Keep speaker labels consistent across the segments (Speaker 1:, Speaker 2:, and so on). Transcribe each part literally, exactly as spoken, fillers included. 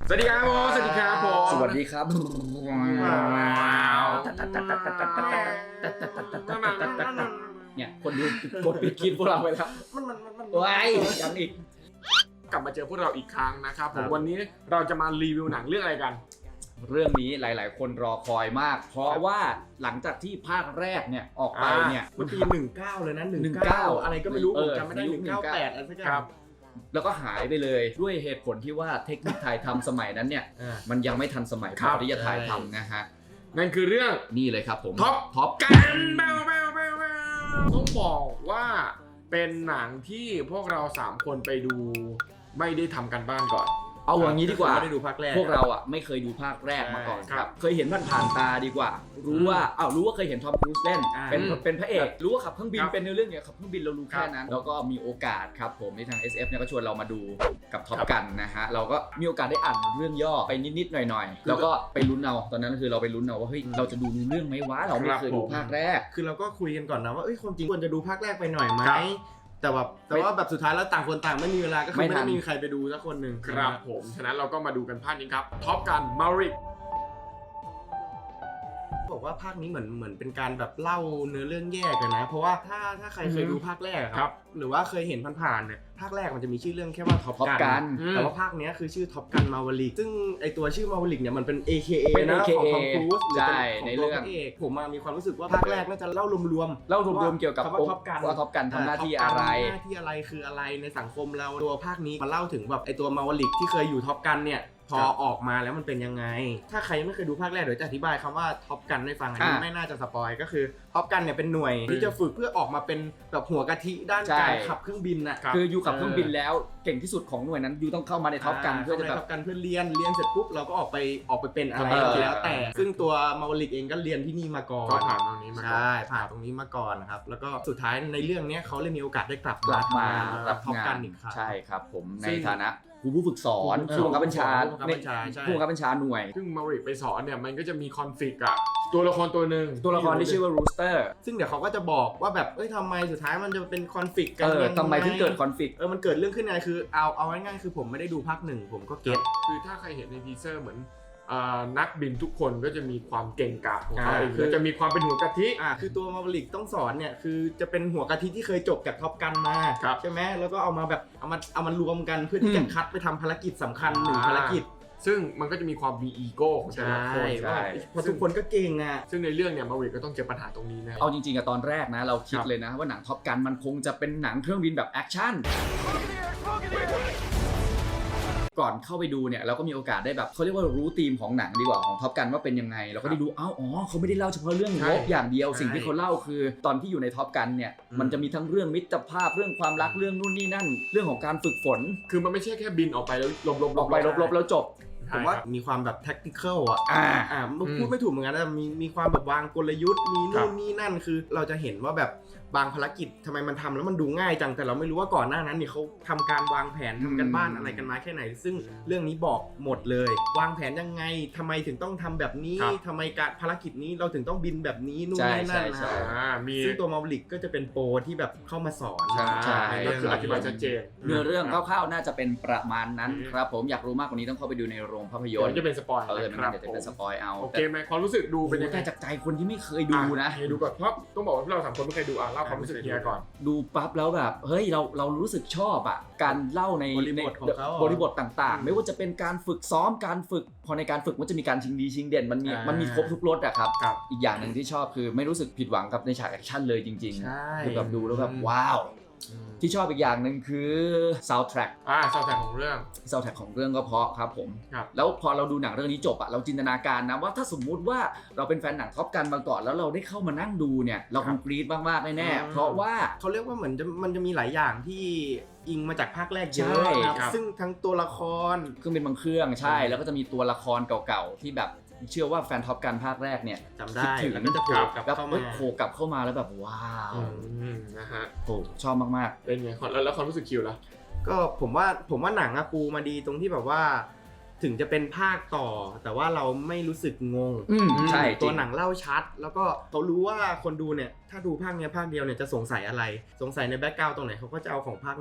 Speaker 1: สวัสดีครับผมสวัสดีครับผม
Speaker 2: สวัสดีครับเนี่ยคนดูกดปิดคลิปพวกเราไปแล้วว้ายยังอีก
Speaker 1: กลับมาเจอพวกเราอีกครั้งนะครับผมวันนี้เราจะมารีวิวหนังเรื่องอะไรกัน
Speaker 2: เรื่องนี้หลายๆคนรอคอยมากเพราะว่าหลังจากที่ภาคแรกเนี่ยออกไปเนี่ย
Speaker 3: มันปีหนึ่งเก้าเลยนะหนึ่งเก้าอะไรก็ไม่รู้ผมจำไม่ได้หนึ่งเก้าแปดอะไรสักอย่าง
Speaker 2: แล้วก็หายไปเลยด้วยเหตุผลที่ว่าเทคนิคถ่ายทำสมัยนั้นเนี่ยมันยังไม่ทันสมัยพอที่จะถ่ายทำนะฮะ
Speaker 1: นั่นคือเรื่อง
Speaker 2: นี่เลยครับผม
Speaker 1: ท็อปท็อปกันแบวแบวแบวแบวต้องบอกว่าเป็นหนังที่พวกเราสามคนไปดูไม่ได้ทำกันบ้านก่อน
Speaker 2: เอาอย่างนี้ดีกว่า
Speaker 3: ไม่ได้ดูภาคแรก
Speaker 2: พวกเราอ่ะไม่เคยดูภาคแรกมาก่อนครับเคยเห็นผ่านผ่านตาดีกว่ารู้ว่าอ้าวรู้ว่าเคยเห็นทอมครูซเล่นเป็นเป็นพระเอกรู้ว่าขับเครื่องบินเป็นในเรื่องเนี้ยขับเครื่องบินเรารู้แค่นั้นแล้วก็มีโอกาสครับผมในทาง เอส เอฟ เนี่ยก็ชวนเรามาดูกับท็อปกันนะฮะเราก็มีโอกาสได้อ่านเรื่องย่อไปนิดๆหน่อยๆแล้วก็ไปลุ้นเอาตอนนั้นคือเราไปลุ้นเอาว่าเฮ้ยเราจะดูเรื่องไหมวะเราไม่เคยดูภาคแรก
Speaker 3: คือเราก็คุยกันก่อนนะว่าเอ้ยความจริงควรจะดูภาคแรกไปหน่อยไหมแต่แบบแต่ว่าแบบสุดท้ายแล้วต่างคนต่างไม่มีเวลาก็คือไม่ได้มีใครไปดูสักคนหนึ่ง
Speaker 1: ครับผมฉะนั้นเราก็มาดูกันภาคนี้ครับท็อปกันมาริก
Speaker 3: บอกว่าภาคนี้เหมือนเหมือนเป็นการแบบเล่าเนื้อเรื่องแยกกันนะเพราะว่าถ้าถ้าใครเคยดูภาคแรกครับหรือว่าเคยเห็นผ่านๆเนี่ยภาคแรกมันจะมีชื่อเรื่องแค่ว่าท็อปกันแต่ว่าภาคนี้คือชื่อท็อปกันมาวลิกซึ่งไอตัวชื่อมาวลิกเนี่ยมันเป็น เอ เค เอ นะของทอมครูซหรือเป็นของตัวพระเอกผมมีความรู้สึกว่าภาคแรกน่าจะเล่ารวม
Speaker 2: ๆเล่ารวมๆเกี่ยวกับ
Speaker 3: ว่าท็อปกัน
Speaker 2: ว่าท็อปกันทำหน้าที่อะไร
Speaker 3: หน้าที่อะไรคืออะไรในสังคมเราตัวภาคนี้มาเล่าถึงแบบไอตัวมาวลิกที่เคยอยู่ท็อปกันเนี่ยพอออกมาแล้วมันเป็นยังไงถ้าใครไม่เคยดูภาคแรกเดี๋ยวจะอธิบายคำว่าท็อปกันให้ฟังอันนี้ไม่น่าจะสปอยก็คือท็อปกันเนี่ยเป็นหน่วยที่จะฝึกเพื่อออกมาเป็นแบบหัวกะทิด้านการขับเครื่องบินน่ะ
Speaker 2: คืออยู่ขับเครื่องบินแล้วเก่งที่สุดของหน่วยนั้นอยู่ต้องเข้ามาในท็อปกันเพื่อจะ
Speaker 3: ท็อปกันเพื่อเรียนเรียนเสร็จปุ๊บเราก็ออกไปออกไปเป็นอะไรแล้วแต่ซึ่งตัวมาวลิกเองก็เรียนที่นี่มาก่อน
Speaker 1: ก็ผ่านตรงนี้มา
Speaker 3: ใช่ผ่านตรงนี้มาก่อนนะครับแล้วก็สุดท้ายในเรื่องนี้เขาเลยมีโอกาสได้กลับ
Speaker 2: กลับมา
Speaker 3: รับท็อปกันอีกครั้ง
Speaker 2: ใช่ครับผมในฐานะผู้ผู้ฝึกสอนผู้บังคับบัญชาผู้บังคับบัญชาหน่วย
Speaker 1: ซึ่งมาริกไปสอนเนี่ยมันก็จะมีคอนฟ lict อะตัวละครตัวหนึ่ง
Speaker 2: ตัวละครที่ชื่อว่ารูสเตอร์
Speaker 3: ซึ่งเดี๋ยวเขาก็จะบอกว่าแบบเอ้ยทำไมสุดท้ายมันจะเป็นคอนฟ lict กัน
Speaker 2: ยังไงทำไมถึงเกิดคอนฟ lict
Speaker 3: เออมันเกิดเรื่องขึ้นไงคือเอาเอาง่ายๆคือผมไม่ได้ดูภาคหนึ่งผมก็เก็ต
Speaker 1: คือถ้าใครเห็นในทีเซอร์เหมือนนักบินทุกคนก็จะมีความเก่งกาจของเขาเองคือจะมีความเป็นหัวกะทิ
Speaker 3: อ่าคือตัวมาริกต้องสอนเนี่ยคือจะเป็นหัวกะทิที่เคยจบจากท็อปกันมาใช่ไหมแล้วก็เอามาแบบเอามาเอามารวมกันเพื่อที่จะคัดไปทำภารกิจสำคัญหนึ่งภารกิจ
Speaker 1: ซึ่งมันก็จะมีความมีอีโก้ของแต่ละคน
Speaker 3: เพราะทุกคนก็เก่งอ่ะ
Speaker 1: ซึ่งในเรื่องเนี่ยมาริกก็ต้องเจอปัญหาตรงนี้นะ
Speaker 2: เอาจริงๆอะตอนแรกนะเราคิดเลยนะว่าหนังท็อปกันมันคงจะเป็นหนังเครื่องบินแบบแอคชั่นก่อนเข้าไปดูเนี่ยเราก็มีโอกาสได้แบบเขาเรียกว่ารู้ธีมของหนังดีกว่าของท็อปกันว่าเป็นยังไงเราก็ได้ดูอ้าวอ๋อเขาไม่ได้เล่าเฉพาะเรื่องรบอย่างเดียวสิ่งที่เขาเล่าคือตอนที่อยู่ในท็อปกันเนี่ยมันจะมีทั้งเรื่องมิตรภาพเรื่องความรักเรื่องนู่นนี่นั่นเรื่องของการฝึกฝน
Speaker 1: คือมันไม่ใช่แค่บินออกไปแล้วลบๆ
Speaker 2: ออกไปลบๆแล้วจบ
Speaker 3: ผมว่ามีความแบบ tactical อ่ะอ่าอ่าพูดไม่ถูกเหมือนกันนะมีมีความแบบวางกลยุทธ์มีนู่นนี่นั่นคือเราจะเห็นว่าแบบบางภารกิจทำไมมันทำแล้วมันดูง่ายจังแต่เราไม่รู้ว่าก่อนหน้านั้นนี่เขาทำการวางแผนทำกันบ้านอะไรกันมาแค่ไหนซึ่งเรื่องนี้บอกหมดเลยวางแผนยังไงทำไมถึงต้องทำแบบนี้ทำไมการภารกิจนี้เราถึงต้องบินแบบนี้นู่นนี่นั่นนะซึ่งตัวมาริกก็จะเป็นโปรที่แบบเข้ามาสอน
Speaker 1: ใช่ก็คืออธิบายชัดเจน
Speaker 2: เนื้อเรื่องคร่าวๆน่าจะเป็นประมาณนั้นครับผมอยากรู้มากกว่านี้ต้องเข้าไปดูในโรงภาพยนตร์
Speaker 1: จะเป็นสปอยล์
Speaker 2: เออมันจะเป็นสปอยล์เอา
Speaker 1: โอเคไหมความรู้สึกดูเป็นยังไง
Speaker 2: จากใจคนที่ไม่เคยดูนะ
Speaker 1: ดูก่อนเพราะต้องบอกว่าเราสามคนไม่เคยดูอ่ะเล่าความรู้สึกเฮียก่อน
Speaker 2: ดูปั๊บแล้วแบบเฮ้ยเราเรารู้สึกชอบอ่ะการเล่าใน
Speaker 3: บริบทของเขา
Speaker 2: บริบทต่างๆไม่ว่าจะเป็นการฝึกซ้อมการฝึกพอในการฝึกมันจะมีการชิงดีชิงเด่นมันมีมันมีครบทุกรสอะครับอีกอย่างหนึ่งที่ชอบคือไม่รู้สึกผิดหวังกับในฉากแอคชั่นเลยจริงๆคือแบบดูแล้วแบบว้าวที่ชอบอีกอย่างหนึ่งคือ soundtrack
Speaker 1: อ่า soundtrack ของเรื่อง
Speaker 2: soundtrack ของเรื่องก็เพราะครับผมแล้วพอเราดูหนังเรื่องนี้จบอะเราจินตนาการนะว่าถ้าสมมุติว่าเราเป็นแฟนหนังท็อปกันมาก่อนแล้วเราได้เข้ามานั่งดูเนี่ยเราคงกรี๊ดมากๆแน่ๆเพราะว่า
Speaker 3: เขาเรียกว่าเหมือนจะมันจะมีหลายอย่างที่อิงมาจากภาคแรกเยอะนะซึ่งทั้งตัวละคร
Speaker 2: เครื่องบินบางเครื่องใช่แล้วก็จะมีตัวละครเก่าๆที่แบบเชื่อว่าแฟนท็อปกันภาคแรกเนี่ย
Speaker 3: จำได้แล้วก็จะโผล่กลับเข้ามา
Speaker 2: โผล่กลับเข้ามาแล้วแบบว้าว
Speaker 1: นะฮะ
Speaker 2: โอ้ชอบมาก
Speaker 1: ๆเป็นไงแล้วแล้วความรู้สึกคิวล่ะ
Speaker 3: ก็ผมว่าผมว่าหนังอะปูมาดีตรงที่แบบว่าถึงจะเป็นภาคต่อแต่ว่าเราไม่รู้สึกงง
Speaker 2: ใช่
Speaker 3: ตัวหนังเล่าชัดแล้วก็เขารู้ว่าคนดูเนี่ยถ้าดูภาคนี้ภาคเดียวเนี่ยจะสงสัยอะไรสงสัยในแบ็คกราวด์ตรงไหนเขาก็จะเอาของภาคหนึ่งเนี่ย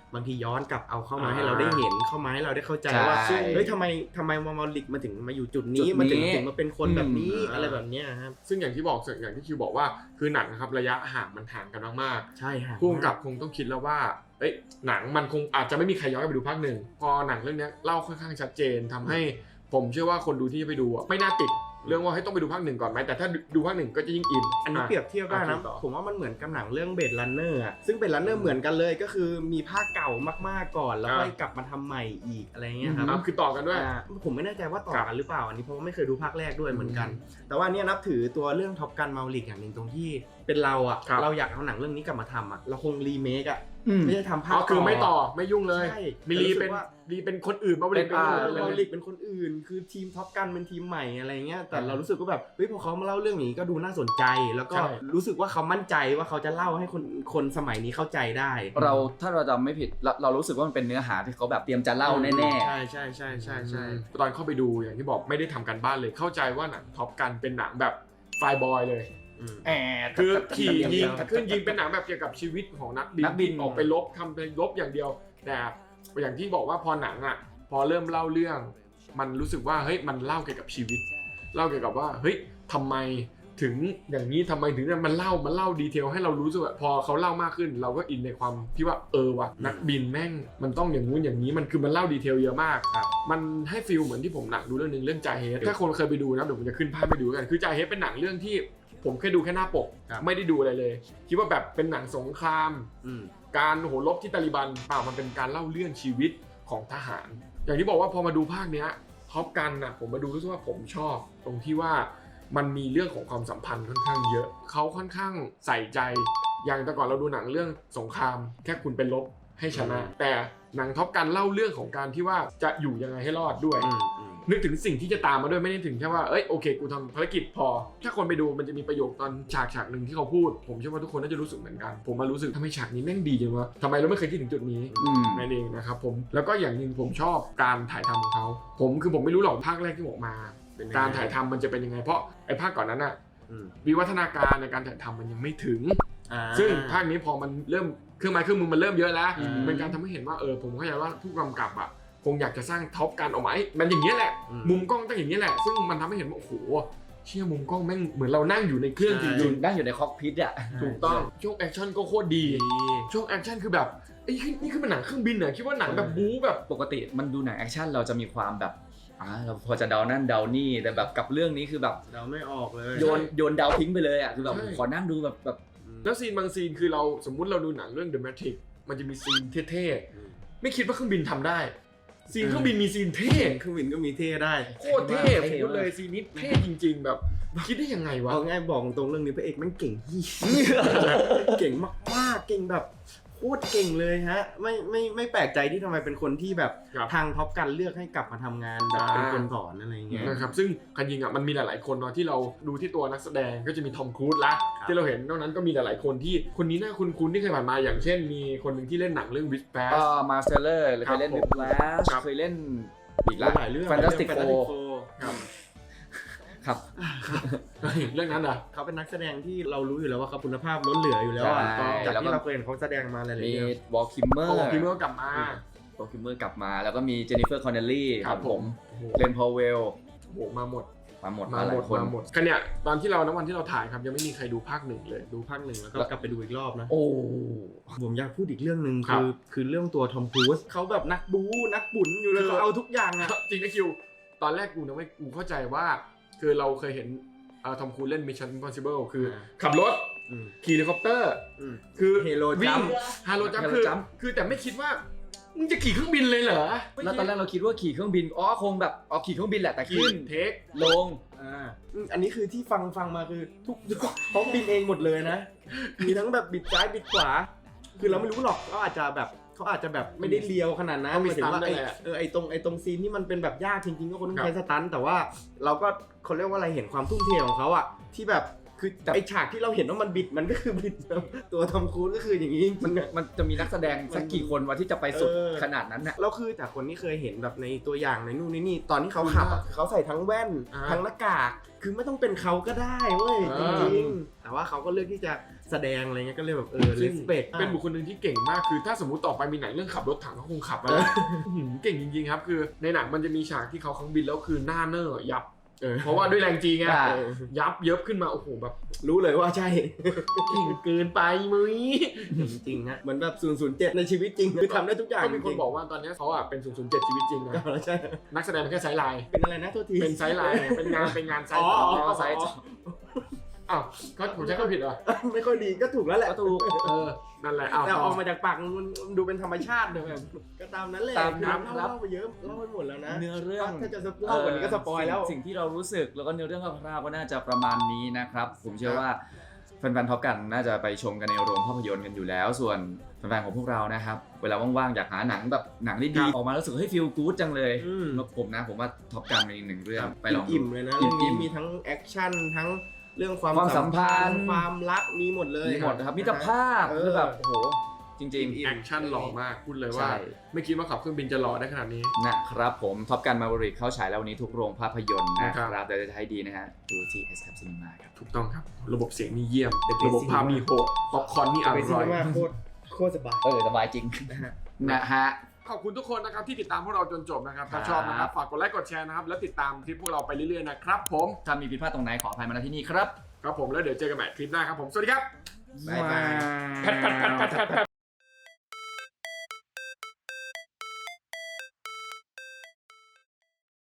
Speaker 3: บางทีย้อนกลับเอาเข้ามา
Speaker 1: อ่า
Speaker 3: ให้เราได้เห็นเข้ามาให้เราได้เข้าใจ
Speaker 2: ใช่
Speaker 3: ว่าเฮ้ยทำไมทำไมมาลิกมาถึงมาอยู่จุดนี้
Speaker 2: จุดนี้
Speaker 3: มาถึงถึงมาเป็นคนแบบนี้
Speaker 1: อืม
Speaker 3: อะไรแบบเนี้ยครับ
Speaker 1: ซึ่งอย่างที่บอกอย่างที่คิวบอกว่าคือหนังนะครับระยะห่างมันห่างกันมาก
Speaker 3: ใช่ฮะ
Speaker 1: ๆผู้กำกับคงต้องคิดแล้วว่าเอ้ยหนังมันคงอาจจะไม่มีใครย้อนกลับไปดูภาคหนึ่งพอหนังเรื่องนี้เล่าค่อนข้างชัดเจนทำให้ผมเชื่อว่าคนดูที่ไปดูอะไม่น่าติดเรื่องว่าให้ต้องไปดูภาคหนึ่งก่อนไหมแต่ถ้าดูภาคหนึ่งก็จะยิ่งอิน
Speaker 3: อันนี้เปรียบเทียบได้นะ
Speaker 1: อ่ะต่อ
Speaker 3: ผมว่ามันเหมือนกับหนังเรื่องเบดลันเนอร์อ่ะซึ่งเบดลันเนอร์เหมือนกันเลยก็คือมีภาคเก่ามากๆก่อนแล้วค่อยกลับมาทำใหม่อีกอะไรเงี้ยครับ
Speaker 1: อ่ะคือต่อกันด้วย
Speaker 3: อ่าผมไม่แน่ใจว่าต่อกันหรือเปล่าอันนี้เพราะว่าไม่เคยดูภาคแรกด้วยเหมือนกัน แต่ว่าเนี่ยนับถือตัวเรื่องท็อปกันมาลิกอย่างหนึ่งตรงที่เป็นเราอ่ะ
Speaker 1: ครับ
Speaker 3: เราอยากเอาหนังเรื่องนี้กลับมาทำอ่ะเราคงรีเมคอ่ะ
Speaker 2: อืม
Speaker 3: ไม่ใช่ทำภา
Speaker 1: อ๋
Speaker 3: ค
Speaker 1: อคือไม่ต่อไม่ยุ่งเลย
Speaker 3: ใช่
Speaker 1: มีรีเป็น
Speaker 3: แต่รู้สึกว่า
Speaker 1: รีเป็นคนอื่นมาบริ
Speaker 2: เป็น
Speaker 1: เป็น
Speaker 2: อ่า
Speaker 1: คนอื่น
Speaker 3: เรา
Speaker 1: เลย
Speaker 3: ลิกเป็นคนอื่น คือทีมท็อปกันเป็นทีมใหม่อะไรเงี้ยแต่
Speaker 1: อ่า
Speaker 3: เรารู้สึกว่าแบบเฮ้ยพอเขามาเล่าเรื่องนี้ก็ดูน่าสนใจ แล้วก็
Speaker 1: ใช่
Speaker 3: รู้สึกว่าเขามั่นใจว่าเขาจะเล่าให้คนคนสมัยนี้เข้าใจได้
Speaker 2: เราถ้าเราจำไม่ผิดเราเรารู้สึกว่ามันเป็นเนื้อหาที่เขาแบบเตรียมจะเล่าแน่
Speaker 3: ใช่ใช่ใช่ใช่ใช่
Speaker 1: ตอนเข้าไปดูอย่างที่บอกไม่ได้ทำการบ้านเลยเข้าใจว่าหนังท็อปกันเป็นหนังแบบไฟบอยเลย
Speaker 3: อืม
Speaker 2: ๆแอบ
Speaker 1: คือขี่ยิง
Speaker 3: แต่
Speaker 1: ขึ้นยิงเป็นหนังแบบเกี่ยวกับชีวิตของนักบิน
Speaker 2: นักบิน
Speaker 1: ออกไปลบทำไปลบอย่างเดียว แต่อย่างที่บอกว่าพอหนังอ่ะพอเริ่มเล่าเรื่อง มันรู้สึกว่าเฮ้ยมันเล่าเกี่ยวกับชีวิต เล่าเกี่ยวกับว่าเฮ้ยทำไมถึงอย่างนี้ทำไมถึงเนี่ยมันเล่ามันเล่าดีเทลให้เรารู้สึกว่าพอเขาเล่ามากขึ้น เราก็อินในความที่ว่าเออว่ะนักบินแม่งมันต้องอย่างงู้นอย่างนี้มันคือมันเล่าดีเทลเยอะมาก
Speaker 3: ครับ
Speaker 1: มันให้ฟีลเหมือนที่ผมหนังดูเรื่องนึงเรื่องจาเฮดถ้าคนเคยไปดูนะเดี๋ยวผมจะขึ้นภาพไปดูกันคือจาเฮดเป็นหนังเรื่องที่ผมเคยดูแค่หน้าปก
Speaker 3: ครับ
Speaker 1: ไม่ได้ดูอะไรเลยคิดว่าแบบเป็นหนังสงคราม
Speaker 3: อืม
Speaker 1: การโหรบที่ตาลิบันเปล่ามันเป็นการเล่าเรื่องชีวิตของทหาร อย่างที่บอกว่าพอมาดูภาคเนี้ยท็อปกันนะผมมาดูรู้สึกว่าผมชอบ ตรงที่ว่ามันมีเรื่องของความสัมพันธ์ค่อนข้างเยอะเขาค่อนข้างใส่ใจอย่างแต่ก่อนเราดูหนังเรื่องสงคราม แค่คุณเป็นลบให้ชนะ แต่หนังท็อปกันเล่าเรื่องของการที่ว่าจะอยู่ยังไงให้รอดด้วย
Speaker 3: อืมอืม
Speaker 1: นึกถึงสิ่งที่จะตามมาด้วยไม่ได้ถึงแค่ว่าเอ้ยโอเคกูทำภารกิจพอ ถ้าคนไปดูมันจะมีประโยคตอนฉากฉากหนึ่งที่เขาพูด ผมเชื่อว่าทุกคนน่าจะรู้สึกเหมือนกัน ผมมารู้สึกทำไมฉากนี้แม่งดีจังวะทำไมเราไม่เคยคิดถึงจุดนี้
Speaker 2: อืม
Speaker 1: นั่นเองนะครับผมแล้วก็อย่างหนึ่งผมชอบการถ่ายทำของเขาผมคือผมไม่รู้หรอกภาคแรกที่ออกมา
Speaker 3: เป็นยังไง
Speaker 1: การถ่ายทำมันจะเป็นยังไง เพราะไอ้ภาคก่อนนั้นอะ
Speaker 3: อืม
Speaker 1: วิวัฒนาการในการถ่ายทำมันยังไม่ถึง
Speaker 3: อ่า
Speaker 1: ซึ่งภาคนี้พอมันเริ่มเครื่องไม้เครื่องมือมันเริ่มเยอะแล้ว
Speaker 3: อืม
Speaker 1: เป็นการทำให้เห็นว่าเออผมเข้าใจว่าผู้กำกับอะคงอยากจะสร้างท็อปการออกมาให้มันอย่างนี้ยแหละ
Speaker 3: อืม
Speaker 1: มุมกล้องต้องอย่างนี้ยแหละ ซึ่งมันทำให้เห็นว่าโอ้โหเชี่ยมุมกล้องแม่งเหมือนเรานั่งอยู่ในเครื่องจ
Speaker 3: ใช่
Speaker 1: ริง
Speaker 2: นั่งอยู่ในคอกพิทอ่ะ
Speaker 1: ๆถูกต้องช่วงแอคชั่นก็โคตรดี
Speaker 3: ดี
Speaker 1: ช่วงแอคชั่นคือแบบไอ้ยนี่คือเป็นหนังเครื่องบินเหรอคิดว่าหนังแบบบู๊แบบ
Speaker 2: ปกติมันดูหนังแอคชั่นเราจะมีความแบบอ่าเราพอจะเดานั่นเดานี่แต่แบบกับเรื่องนี้คือแบบ
Speaker 3: เราไม่ออกเลย
Speaker 2: โยนโยนเดาทิ้งไปเลยอ่ะคือแบบ
Speaker 1: ใช่
Speaker 2: ขอนั่งดูแบบแบบ
Speaker 3: อืม
Speaker 1: แล้วซีนบางซีนคือเราสมมุติเราดูหนังเรื่อง The Matrix มันจะมีซีนเท่
Speaker 3: อืม
Speaker 1: ๆไม่คิดว่าเครื่องบินทำได้ ซีน
Speaker 3: เออ
Speaker 1: เครื่องบินมีซีนเท่
Speaker 3: เครื่องบินก็มีเท่ได้
Speaker 1: โคตรเท่ผมพูดเลยซีนนี้เท่จริง ๆ แบบคิดได้ยังไงวะ
Speaker 3: เอาง่ายบอกตรงเรื่องนี้พระเอกแม่งเก่งที่ เก่งมากๆเก่งแบบโคตรเก่งเลยฮะไม่ไม่ไม่แปลกใจที่ทำไมเป็นคนที่แบบ
Speaker 1: ครับ
Speaker 3: ทางท็อปกันเลือกให้กลับมาทำงานแบบ
Speaker 1: อ่า
Speaker 3: เป็นคนสอนอะไรอย่างเงี้ย
Speaker 1: นะครับซึ่งคันยิงอ่ะมันมีหลาย ๆ คนเนาะที่เราดูที่ตัวนักแสดงก็จะมีทอมครูซละ
Speaker 3: ครับ
Speaker 1: ที่เราเห็นนอกนั้นก็มีหลาย ๆ คนที่คนนี้น่าคุ้นๆที่เคยผ่านมาอย่างเช่น มีคนหนึ่งที่เล่นหนังเรื่องวิสแป
Speaker 2: เอ่อมาสเตอร์เลอร์เคยเล่น
Speaker 1: ครับ
Speaker 2: วิปแลช
Speaker 1: ครับ
Speaker 2: เคยเล่นอีกละ
Speaker 3: หลายเรื่อง
Speaker 2: Fantastic
Speaker 3: เรื่อง
Speaker 2: Four
Speaker 3: Four
Speaker 1: ครับ
Speaker 2: ครับ
Speaker 1: เรื่องนั้นอ่ะ
Speaker 3: เขาเป็นนักแสดงที่เรารู้อยู่แล้วว่าเขาคุณภาพล้นเหลืออยู่แล้วอะ
Speaker 2: ใช่
Speaker 3: จาก
Speaker 2: แล้วก็
Speaker 3: ที่เราเคยเห็นเขาแสดงมาหลายๆ
Speaker 2: มี
Speaker 3: เรื่อง
Speaker 2: วอลคิมเมอร์
Speaker 1: พอบอกพี่เมื่อกลับมา
Speaker 2: วอลคิมเมอร์กลับมาแล้วก็มีเจนนิเฟอร์คอนเนลลี่
Speaker 1: ครับผม โอ้โห
Speaker 2: เลนพอเวล
Speaker 1: โอ้โหมาหมด
Speaker 2: มาหมด
Speaker 1: มา
Speaker 2: มาห
Speaker 1: หม
Speaker 2: ลาย
Speaker 1: ด
Speaker 2: คน
Speaker 1: มาหมดคันเนี่ยตอนที่เราณวันที่เราถ่ายครับยังไม่มีใครดูภาคหนึ่งเลย
Speaker 3: ดูภาคหนึ่งแล้วก็กลับไปดูอีกรอบนะ
Speaker 2: โอ้
Speaker 3: ผมอยากพูดอีกเรื่องหนึ่ง
Speaker 1: ครั
Speaker 3: คื
Speaker 1: บ
Speaker 3: อคือเรื่องตัวทอมครูซเขาแบบนักบู๊นักบุญอยู่เลย
Speaker 1: คือ
Speaker 3: เขาเอาทุกอย่างอะ
Speaker 1: จริงนะคิว ตอนแรกกูนะไม่กูเข้าใจว่า คือเราเคยเห็นทอมครูซเล่น Mission Impossible คือขับรถ
Speaker 3: อืม
Speaker 1: ขี่เฮลิคอปเตอร์
Speaker 3: อืม
Speaker 1: คือ
Speaker 3: Halo
Speaker 1: วิ่ง
Speaker 3: Jump
Speaker 1: ฮาโลจัม
Speaker 2: Halo
Speaker 1: คือ
Speaker 2: Jump
Speaker 1: คือแต่ไม่คิดว่ามึงจะขี่เครื่องบินเลยเหรอ
Speaker 2: แล้วตอนแรกเราคิดว่าขี่เครื่องบินอ๋อคงแบบอ๋อขี่เครื่องบินแหละแต่
Speaker 1: ขี่
Speaker 2: ขึ้น
Speaker 1: เทค
Speaker 2: ลง
Speaker 3: อ่าอืมอันนี้คือที่ฟังฟังมาคือทุกเขาบินเองหมดเลยนะ มีทั้งแบบบิดซ้ายบิดขวา คือเราไม่รู้หรอกเขาอาจจะแบบเขาอาจจะแบบไม่ได้เลียวขนาดนั้น
Speaker 1: ต้องมี
Speaker 3: หายถึงว่า
Speaker 1: สตันท์
Speaker 3: ไอ้
Speaker 1: ด้วยแหละ
Speaker 3: เออไอ้ตรงไอ้ตรงซีนที่มันเป็นแบบยากจริงๆก็คนต้อง
Speaker 1: ครับ
Speaker 3: ใช้สตันท์แต่ว่าเราก็เขาเรียกว่าอะไรเห็นความทุ่มเทของเขาอะที่แบบคือไอฉากที่เราเห็นว่ามันบิดมันก็คือบิดตัวทอมครูซก็คืออย่างนี้จ
Speaker 2: มั
Speaker 3: ริ
Speaker 2: น
Speaker 3: งๆอะ
Speaker 2: มันจะมีนักแสดงสักกี่คนวะที่จะไปสุด
Speaker 3: เออ
Speaker 2: ขนาดนั้นน่ะ
Speaker 3: แล้วคือจากคนที่เคยเห็นแบบในตัวอย่างในนู่นในนี่ตอนที่เขาขับอะเขาใส่ทั้งแว่น
Speaker 1: อ่า
Speaker 3: ทั้งหน้ากากคือไม่ต้องเป็นเขาก็ได้เว้ย
Speaker 1: เอ
Speaker 3: จ
Speaker 1: อ
Speaker 3: ริงๆแต่ว่าเขาก็เลือกที่จะแสดงอะไรเงี้ยก็เลยแบบเออเล
Speaker 1: ซึ่ง
Speaker 3: สเปก
Speaker 1: เป็นบุคคลหนึ่งที่เก่งมากคือถ้าสมมติต่อไปมีหนังเรื่องขับรถถังเขาคงขับไปแล้วอื้อหือเก่งจริงๆครับคือในหนังมันจะมีฉากที่เขาเครื่องบินแล้วคือหน้าเนอร์ยับ
Speaker 3: เออ
Speaker 1: เพราะว่าด้วยแรงจีไง
Speaker 2: อ่า
Speaker 3: เออ
Speaker 1: ยับเยิบขึ้นมาโอ้โหแบบ
Speaker 3: รู้เลยว่าใช่
Speaker 1: เก่งเกินไปมึย
Speaker 3: จริงๆนะเหมือนแบบศูนย์ศูนย์เจ็ดในชีวิตจริงคือทำได้ทุกอย่าง
Speaker 1: ก็มีคนบอกว่าตอนนี้เขาอ่ะเป็นศูนย์ศูนย์เจ็ดชีวิตจริงนะ
Speaker 3: ก็ใช่
Speaker 1: นักแสดงเป็นแค่ไซด์ไลน์
Speaker 3: เป็นอะไรนะโทษที
Speaker 1: เป็นไซด์ไลน์เป็นงานเป็นงานไซ
Speaker 3: อ๋
Speaker 1: ด์
Speaker 3: อ
Speaker 1: ต่อ
Speaker 3: อ๋อ
Speaker 1: ไซด์ต่ออ้าวก็ผมใช้คำผิดเหรอ
Speaker 3: ไม่ค่อยดีก็ถูกแล้วแหละ
Speaker 2: ก็ถูก
Speaker 1: เออนั่นแหละอ้าว
Speaker 3: แต่ออกมาจากปากมันดูเป็นธรรมชาติเลยแบบก็ตามนั้นแหละ
Speaker 2: ตามนั้น
Speaker 3: คือ
Speaker 2: ครับ
Speaker 3: เล่าไปเยอะเล่าไปหมดแล้วนะ
Speaker 2: เนื้อเรื่อง
Speaker 3: ถ้าจะเล่ากว่านี้ก็สปอยแล้ว
Speaker 2: สิ่งสิ่งที่เรารู้สึกแล้วก็เนื้อเรื่องคร่าวๆก็น่าจะประมาณนี้นะครับ ผมเชื่อว่าแฟนๆท็อปกันน่าจะไปชมกันในโรงภาพยนตร์กันอยู่แล้ว ส่วนแฟนๆของพวกเรานะครับเวลาว่างๆอยากหาหนังแบบหนังดีๆออกมาแล้วรู้สึกเฮ้ยฟีลกู๊ดจังเลย
Speaker 3: อืม
Speaker 2: แล้วผมนะผมว่าท็อปกันเป็นอีกหนึ่งเรื่องไปลองดู
Speaker 3: อิ่มๆเลยนะ
Speaker 2: อิ่
Speaker 3: เรื่อง
Speaker 2: มๆ
Speaker 3: นี้มีทั้งแอคชั่นทั้งเรื่องความ
Speaker 2: ความสัมพันธ์
Speaker 3: ความรักมีหมดเลย
Speaker 2: มีหมดนะครับมิตรภาพ
Speaker 3: เออ
Speaker 2: คือแบบโอ้โหจริง
Speaker 3: อิ่ม
Speaker 1: แอคชั่นหล่อมากพูดเลยว่า
Speaker 2: ใช่
Speaker 1: ไม่คิดว่าขับเครื่องบินจะหล่อได้ขนาดนี้
Speaker 2: ๆนะครับผมท็อปกันมาบริกเข้าฉายแล้ววันนี้ทุกโรงภาพยนตร์นะค
Speaker 1: ครั
Speaker 2: รับบ แต่จะให้ดีนะฮะดูที่ เอส แคป Cinema ครับ
Speaker 1: ถูกต้องครับ ระบบเสียงนี่เยี่ยม
Speaker 3: The best
Speaker 1: ระบบภาพนี่โหดป๊อปคอร์นนี่อ
Speaker 3: ไปซี
Speaker 1: ร่อย
Speaker 3: นีมาโคตรโคตรสบาย
Speaker 2: เออสบายจริง
Speaker 3: นะฮะ
Speaker 2: นะฮะ
Speaker 1: ขอบคุณทุกคนนะครับที่ติดตามพวกเราจนจบนะครับ ถ้า
Speaker 2: ครับ
Speaker 1: ชอบนะครับฝากกดไลค์กดแชร์นะครับแล้วติดตามคลิปพวกเราไปเรื่อยๆนะครับผม
Speaker 2: ถ้ามีผิดพลาดตรงไหนขออภัยมาณที่นี่ครับ
Speaker 1: ครับผมแล้วเดี๋ยวเจอกันใหม่คลิปหน้าครับผมสวัสดีครับ
Speaker 3: บ๊ายบาย
Speaker 1: แพทแพทแพทแพทแพท